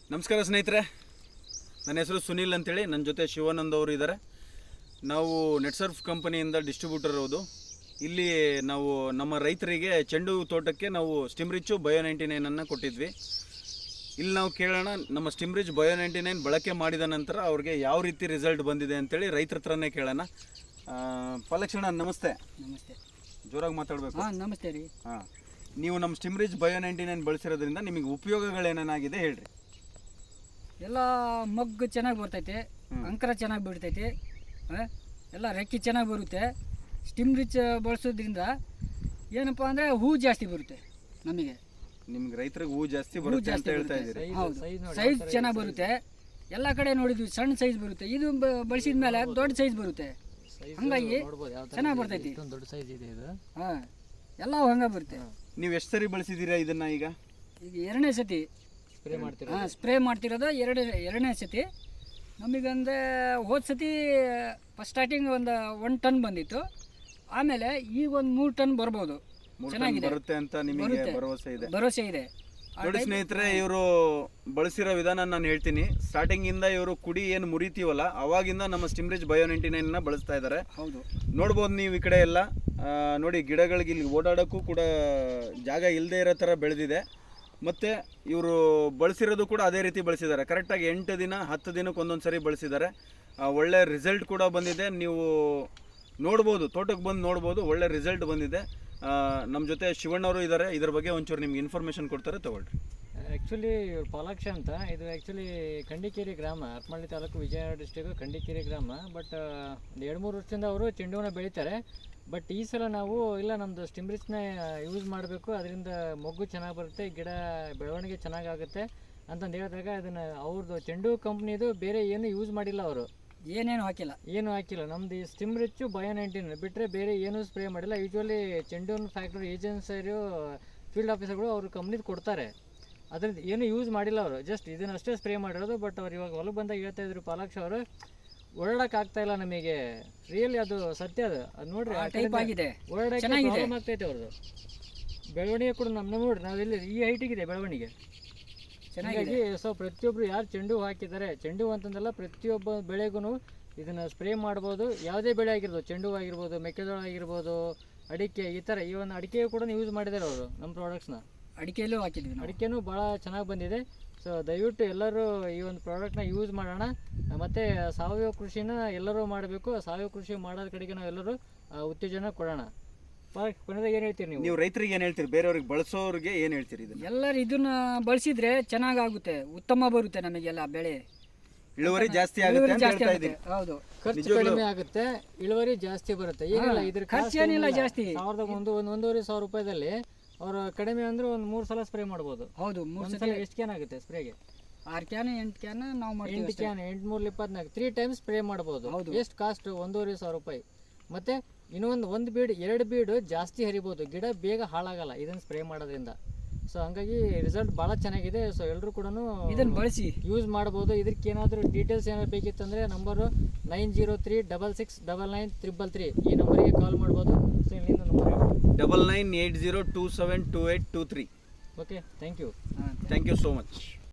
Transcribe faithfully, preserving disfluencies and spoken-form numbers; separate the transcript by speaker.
Speaker 1: ನಮಸ್ಕಾರ ಸ್ನೇಹಿತರೆ, ನನ್ನ ಹೆಸರು ಸುನಿಲ್ ಅಂತೇಳಿ. ನನ್ನ ಜೊತೆ ಶಿವಾನಂದ್ ಅವರು ಇದ್ದಾರೆ. ನಾವು ನೆಟ್ಸರ್ಫ್ ಕಂಪನಿಯಿಂದ ಡಿಸ್ಟ್ರಿಬ್ಯೂಟರ್ ಇರೋದು. ಇಲ್ಲಿ ನಾವು ನಮ್ಮ ರೈತರಿಗೆ ಚೆಂಡು ತೋಟಕ್ಕೆ ನಾವು ಸ್ಟಿಮ್ರಿಚ್ಚು ಬಯೋ ನೈಂಟಿ ನೈನನ್ನು ಕೊಟ್ಟಿದ್ವಿ. ಇಲ್ಲಿ ನಾವು ಕೇಳೋಣ, ನಮ್ಮ ಸ್ಟಿಮ್ರಿಚ್ ಬಯೋ ನೈಂಟಿ ನೈನ್ ಬಳಕೆ ಮಾಡಿದ ನಂತರ ಅವ್ರಿಗೆ ಯಾವ ರೀತಿ ರಿಸಲ್ಟ್ ಬಂದಿದೆ ಅಂತೇಳಿ ರೈತರ ಹತ್ರನೇ ಕೇಳೋಣ. ಪಲಕ್ಷಣ ನಮಸ್ತೆ.
Speaker 2: ನಮಸ್ತೆ.
Speaker 1: ಜೋರಾಗಿ ಮಾತಾಡಬೇಕು.
Speaker 2: ಹಾಂ ನಮಸ್ತೆ ರೀ.
Speaker 1: ಹಾಂ, ನೀವು ನಮ್ಮ ಸ್ಟಿಮ್ರಿಚ್ ಬಯೋ ನೈಂಟಿ ನೈನ್ ಬಳಸಿರೋದ್ರಿಂದ ನಿಮಗೆ ಉಪಯೋಗಗಳೇನೇನಾಗಿದೆ ಹೇಳ್ರಿ.
Speaker 2: ಎಲ್ಲ ಮಗ್ಗು ಚೆನ್ನಾಗಿ ಬರ್ತೈತೆ, ಅಂಕರ ಚೆನ್ನಾಗಿ ಬಿಡ್ತೈತೆ, ಎಲ್ಲ ರೆಕ್ಕಿ ಚೆನ್ನಾಗಿ ಬರುತ್ತೆ. ಸ್ಟಿಮ್ ರಿಚ್ ಬಳಸೋದ್ರಿಂದ ಏನಪ್ಪ ಅಂದರೆ ಹೂ ಜಾಸ್ತಿ ಬರುತ್ತೆ ನಮಗೆ.
Speaker 1: ನಿಮ್ಗೆ ರೈತರಿಗೆ ಹೂ ಜಾಸ್ತಿ ಬರುತ್ತೆ ಅಂತ ಹೇಳ್ತಾ ಇದ್ದೀರಿ.
Speaker 2: ಹೌದು, ಸೈಜ್ ಚೆನ್ನಾಗಿ ಬರುತ್ತೆ. ಎಲ್ಲ ಕಡೆ ನೋಡಿದ್ವಿ ಸಣ್ಣ ಸೈಜ್ ಬರುತ್ತೆ, ಇದು ಬಳಸಿದ ಮೇಲೆ ದೊಡ್ಡ ಸೈಜ್ ಬರುತ್ತೆ. ಹಂಗಾಗಿ ಚೆನ್ನಾಗಿ ಬರ್ತೈತಿ.
Speaker 3: ದೊಡ್ಡ ಸೈಜ್ ಇದೆ ಇದು.
Speaker 2: ಹಾಂ, ಎಲ್ಲ ಹಂಗೆ ಬರುತ್ತೆ.
Speaker 1: ನೀವು ಎಷ್ಟು ಸರಿ ಬಳಸಿದ್ದೀರಾ ಇದನ್ನ? ಈಗ
Speaker 2: ಈಗ ಎರಡನೇ ಸತಿ
Speaker 3: ಸ್ಪ್ರೇ ಮಾಡ್ತೀರಾ?
Speaker 2: ಹಾಂ, ಸ್ಪ್ರೇ ಮಾಡ್ತಿರೋದು ಎರಡು ಎರಡನೇ ಸತಿ. ನಮಗಂದರೆ ಹೋದ ಸತಿ ಫಸ್ಟ್ ಸ್ಟಾರ್ಟಿಂಗ್ ಒಂದು ಒನ್ ಟನ್ ಬಂದಿತ್ತು. ಆಮೇಲೆ ಈಗ ಒಂದು ಮೂರು ಟನ್ ಬರ್ಬೋದು. ಚೆನ್ನಾಗಿದೆ,
Speaker 1: ಬರುತ್ತೆ ಅಂತ ನಿಮಗೆ ಭರವಸೆ ಇದೆ?
Speaker 2: ಭರವಸೆ ಇದೆ.
Speaker 1: ನೋಡಿ ಸ್ನೇಹಿತರೆ, ಇವರು ಬಳಸಿರೋ ವಿಧಾನ ನಾನು ಹೇಳ್ತೀನಿ. ಸ್ಟಾರ್ಟಿಂಗ್ ಇಂದ ಇವರು ಕುಡಿ ಏನು ಮುರಿತೀವಲ್ಲ ಅವಾಗಿಂದ ನಮ್ಮ ಸ್ಟಿಮ್ರಿಚ್ ಬಯೋ ನೈಂಟಿ ನೈನ್ ನ ಬಳಸ್ತಾ ಇದ್ದಾರೆ.
Speaker 2: ಹೌದು,
Speaker 1: ನೋಡ್ಬೋದು ನೀವು ಈ ಕಡೆ ಎಲ್ಲ. ನೋಡಿ, ಗಿಡಗಳಿಗೆ ಇಲ್ಲಿ ಓಡಾಡೋಕ್ಕೂ ಕೂಡ ಜಾಗ ಇಲ್ಲದೆ ಇರೋ ಥರ ಬೆಳೆದಿದೆ. ಮತ್ತು ಇವರು ಬಳಸಿರೋದು ಕೂಡ ಅದೇ ರೀತಿ ಬಳಸಿದ್ದಾರೆ. ಕರೆಕ್ಟಾಗಿ ಎಂಟು ದಿನ ಹತ್ತು ದಿನಕ್ಕೆ ಒಂದೊಂದು ಸರಿ ಬಳಸಿದ್ದಾರೆ. ಒಳ್ಳೆ ರಿಸಲ್ಟ್ ಕೂಡ ಬಂದಿದೆ. ನೀವು ನೋಡ್ಬೋದು, ತೋಟಕ್ಕೆ ಬಂದು ನೋಡ್ಬೋದು, ಒಳ್ಳೆ ರಿಸಲ್ಟ್ ಬಂದಿದೆ. ನಮ್ಮ ಜೊತೆ ಶಿವಣ್ಣವರು ಇದ್ದಾರೆ. ಇದ್ರ ಬಗ್ಗೆ ಒಂಚೂರು ನಿಮ್ಗೆ ಇನ್ಫಾರ್ಮೇಷನ್ ಕೊಡ್ತಾರೆ, ತಗೊಳ್ರಿ.
Speaker 3: ಆ್ಯಕ್ಚುಲಿ ಇವ್ರು ಪಾಲಾಕ್ಷ ಅಂತ. ಇದು ಆ್ಯಕ್ಚುಲಿ ಕಂಡಿಕೇರಿ ಗ್ರಾಮ, ಹರಪನಹಳ್ಳಿ ತಾಲೂಕು, ವಿಜಯನಗರ ಡಿಸ್ಟಿಕ್, ಕಂಡಿಕೇರಿ ಗ್ರಾಮ. ಬಟ್ ಒಂದು ಎರಡು ಮೂರು ವರ್ಷದಿಂದ ಅವರು ಚೆಂಡುವನ್ನ ಬೆಳೀತಾರೆ. ಬಟ್ ಈ ಸಲ ನಾವು ಇಲ್ಲ, ನಮ್ಮದು ಸ್ಟಿಮ್ರಿಚ್ನ ಯೂಸ್ ಮಾಡಬೇಕು, ಅದರಿಂದ ಮೊಗ್ಗು ಚೆನ್ನಾಗಿ ಬರುತ್ತೆ, ಗಿಡ ಬೆಳವಣಿಗೆ ಚೆನ್ನಾಗಾಗುತ್ತೆ ಅಂತಂದು ಹೇಳಿದಾಗ ಅದನ್ನು ಅವ್ರದ್ದು ಚೆಂಡು ಕಂಪ್ನಿದು ಬೇರೆ ಏನು ಯೂಸ್ ಮಾಡಿಲ್ಲ. ಅವರು
Speaker 2: ಏನೇನು ಹಾಕಿಲ್ಲ,
Speaker 3: ಏನು ಹಾಕಿಲ್ಲ. ನಮ್ದು ಈ ಸ್ಟಿಮ್ರಿಚ್ಚು ಬಯೋ ನೈಂಟೀನ್ ಬಿಟ್ಟರೆ ಬೇರೆ ಏನೂ ಸ್ಪ್ರೇ ಮಾಡಿಲ್ಲ. ಯೂಶ್ವಲಿ ಚೆಂಡು ಫ್ಯಾಕ್ಟ್ರಿ ಏಜೆನ್ಸಿಯರು, ಫೀಲ್ಡ್ ಆಫೀಸರ್ಗಳು ಅವ್ರ ಕಂಪ್ನಿದು ಕೊಡ್ತಾರೆ. ಅದ್ರದ್ದು ಏನು ಯೂಸ್ ಮಾಡಿಲ್ಲ ಅವರು, ಜಸ್ಟ್ ಇದನ್ನಷ್ಟೇ ಸ್ಪ್ರೇ ಮಾಡಿರೋದು. ಬಟ್ ಅವ್ರು ಇವಾಗ ಹೊಲಕ್ಕೆ ಬಂದಾಗ ಹೇಳ್ತಾ ಇದ್ರು ಪಾಲಾಕ್ಷ ಅವರು, ಓಡಾಡಕ್ಕೆ ಆಗ್ತಾ ಇಲ್ಲ ನಮಗೆ. ರಿಯಲಿ ಅದು ಸತ್ಯ. ಅದು ಅದು ನೋಡ್ರಿ,
Speaker 2: ಆಗಿದೆ,
Speaker 3: ಓಡಾಡಕ್ಕೆ ಪ್ರಾಬ್ಲಮ್ ಆಗ್ತೈತೆ ಅವ್ರದ್ದು. ಬೆಳವಣಿಗೆ ಕೂಡ ನಮ್ಮ ನೋಡ್ರಿ, ನಾವೆಲ್ಲಿ ಈ ಹೈಟಿಗಿದೆ ಬೆಳವಣಿಗೆ ಚೆನ್ನಾಗಿ. ಸೊ ಪ್ರತಿಯೊಬ್ಬರು ಯಾರು ಚೆಂಡು ಹಾಕಿದ್ದಾರೆ, ಚೆಂಡು ಅಂತಂದಲ್ಲ, ಪ್ರತಿಯೊಬ್ಬ ಬೆಳೆಗೂ ಇದನ್ನು ಸ್ಪ್ರೇ ಮಾಡ್ಬೋದು. ಯಾವುದೇ ಬೆಳೆ ಆಗಿರ್ಬೋದು, ಚೆಂಡು ಆಗಿರ್ಬೋದು, ಮೆಕ್ಕೆಜೋಳ ಆಗಿರ್ಬೋದು, ಅಡಿಕೆ, ಈ ಥರ. ಈ ಒಂದು ಅಡಿಕೆ ಕೂಡ ಯೂಸ್ ಮಾಡಿದ್ದಾರೆ ಅವರು ನಮ್ಮ ಪ್ರಾಡಕ್ಟ್ಸ್ನ.
Speaker 2: ಅಡಿಕೆಯಲ್ಲೂ ಹಾಕಿದ್ವಿ,
Speaker 3: ಅಡಿಕೆನೂ ಭಾಳ ಚೆನ್ನಾಗಿ ಬಂದಿದೆ. ಸೊ ದಯವಿಟ್ಟು ಎಲ್ಲರೂ ಈ ಒಂದು ಪ್ರಾಡಕ್ಟ್ನ ಯೂಸ್ ಮಾಡೋಣ. ಮತ್ತು ಸಾವಯವ ಕೃಷಿನ ಎಲ್ಲರೂ ಮಾಡಬೇಕು. ಸಾವಯವ ಕೃಷಿ ಮಾಡೋದ್ರ ಕಡೆಗೆ ನಾವು ಎಲ್ಲರೂ ಉತ್ತೇಜನ ಕೊಡೋಣ. ಕೊನೆದಾಗ ಏನು ಹೇಳ್ತೀರಿ ನೀವು?
Speaker 1: ನೀವು ರೈತರಿಗೆ ಏನು ಹೇಳ್ತೀರಿ? ಬೇರೆಯವ್ರಿಗೆ ಬಳಸೋರಿಗೆ ಏನು ಹೇಳ್ತೀರಿ? ಇದನ್ನು
Speaker 2: ಎಲ್ಲರೂ ಇದನ್ನ ಬಳಸಿದ್ರೆ ಚೆನ್ನಾಗಾಗುತ್ತೆ, ಉತ್ತಮ ಬರುತ್ತೆ, ನಮಗೆಲ್ಲ ಬೆಳೆ
Speaker 1: ಇಳುವರಿ ಜಾಸ್ತಿ ಆಗುತ್ತೆ ಅಂತ ಹೇಳ್ತಾ ಇದ್ದೀನಿ.
Speaker 2: ಹೌದು,
Speaker 3: ಖರ್ಚು ಕಡಿಮೆ ಆಗುತ್ತೆ, ಇಳುವರಿ ಜಾಸ್ತಿ ಬರುತ್ತೆ. ಈಗಲ್ಲ ಇದ್ರ
Speaker 2: ಖರ್ಚು ಏನಿಲ್ಲ ಜಾಸ್ತಿ.
Speaker 3: ಸಾವಿರದ ಒಂದು ಒಂದು ಒಂದೂವರೆ ಸಾವಿರ ರೂಪಾಯಿದಲ್ಲಿ ಅವರು ಕಡಿಮೆ ಅಂದ್ರೆ ಒಂದು ಮೂರು ಸಲ ಸ್ಪ್ರೇ ಮಾಡ್ಬೋದು.
Speaker 2: ಹೌದು, ಮೂರು
Speaker 3: ಸಲ ಎಷ್ಟು ಕ್ಯಾನ್ ಆಗುತ್ತೆ ಸ್ಪ್ರೇಗೆ?
Speaker 2: ಆರು ಕ್ಯಾನ್ ಎಂಟು ಕ್ಯಾನ್ ನಾವು ಮಾಡ್ತೀವಿ.
Speaker 3: ಎಂಟು ಕ್ಯಾನ್ ಎಂಟು ಮೂರು ಇಪ್ಪತ್ನಾಲ್ಕು ತ್ರೀ ಟೈಮ್ಸ್ ಸ್ಪ್ರೇ ಮಾಡ್ಬೋದು. ಎಷ್ಟು ಕಾಸ್ಟ್? ಒಂದೂವರೆ ಸಾವಿರ ರೂಪಾಯಿ. ಮತ್ತೆ ಇನ್ನೊಂದು ಒಂದು ಬೀಡ್ ಎರಡು ಬೀಡು ಜಾಸ್ತಿ ಹರಿಬೋದು, ಗಿಡ ಬೇಗ ಹಾಳಾಗಲ್ಲ ಇದನ್ನು ಸ್ಪ್ರೇ ಮಾಡೋದ್ರಿಂದ. ಸೊ ಹಂಗಾಗಿ ರಿಸಲ್ಟ್ ಭಾಳ ಚೆನ್ನಾಗಿದೆ. ಸೊ ಎಲ್ಲರೂ ಕೂಡ
Speaker 2: ಇದನ್ನು ಬಳಸಿ
Speaker 3: ಯೂಸ್ ಮಾಡ್ಬೋದು. ಇದಕ್ಕೆ ಏನಾದರೂ ಡೀಟೇಲ್ಸ್ ಏನಾದ್ರು ಬೇಕಿತ್ತಂದರೆ number nine zero three double six double nine triple three ಈ ನಂಬರಿಗೆ ಕಾಲ್ ಮಾಡ್ಬೋದು. ಸೊ ಇಲ್ಲಿಂದ number
Speaker 1: double nine eight zero two seven two eight two three.
Speaker 3: Okay, thank you.
Speaker 1: Thank you so much.